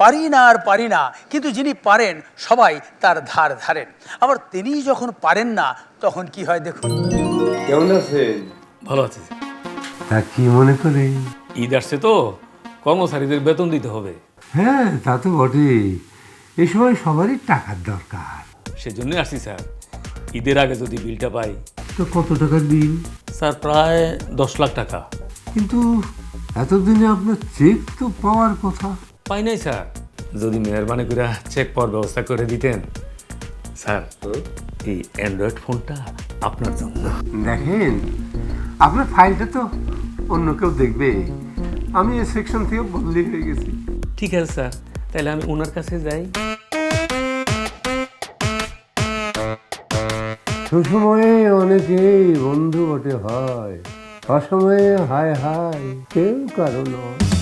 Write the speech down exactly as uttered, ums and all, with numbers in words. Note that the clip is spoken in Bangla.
পারি না আর পারি না, কিন্তু যিনি পারেন সবাই তার ধার ধারেন। আবার তিনি যখন পারেন না তখন কি হয় দেখুন। কেমন আছেন? ভালো আছি। তা কি মনে করে? ঈদ আসছে তো, কর্মচারীদের বেতন দিতে হবে। হ্যাঁ, তা তো বটেই। এই সময় সবারই টাকার দরকার। সেজন্যই আসছি স্যার, ঈদের আগে যদি বিলটা পাই। তো কত টাকার বিল? স্যার প্রায় দশ লাখ টাকা। কিন্তু এতদিনে আপনার চেক তো পাওয়ার কথা। পাই নাই স্যার, যদি মেহরবানি করে চেক পাওয়ার ব্যবস্থা করে দিতেন। স্যার এই অ্যান্ড্রয়েড ফোনটা আপনার জন্য। দেখেন, আপনার ফাইলটা তো অন্য কেউ দেখবে। আমি এই সেকশন থেকে বদলি হয়ে গেছি। ঠিক আছে স্যার, তাহলে আমি ওনার কাছে যাই। সুসময়ে অনেকেই বন্ধু বটে হয়, অসময়ে হায় হায় কেউ কারো নয়।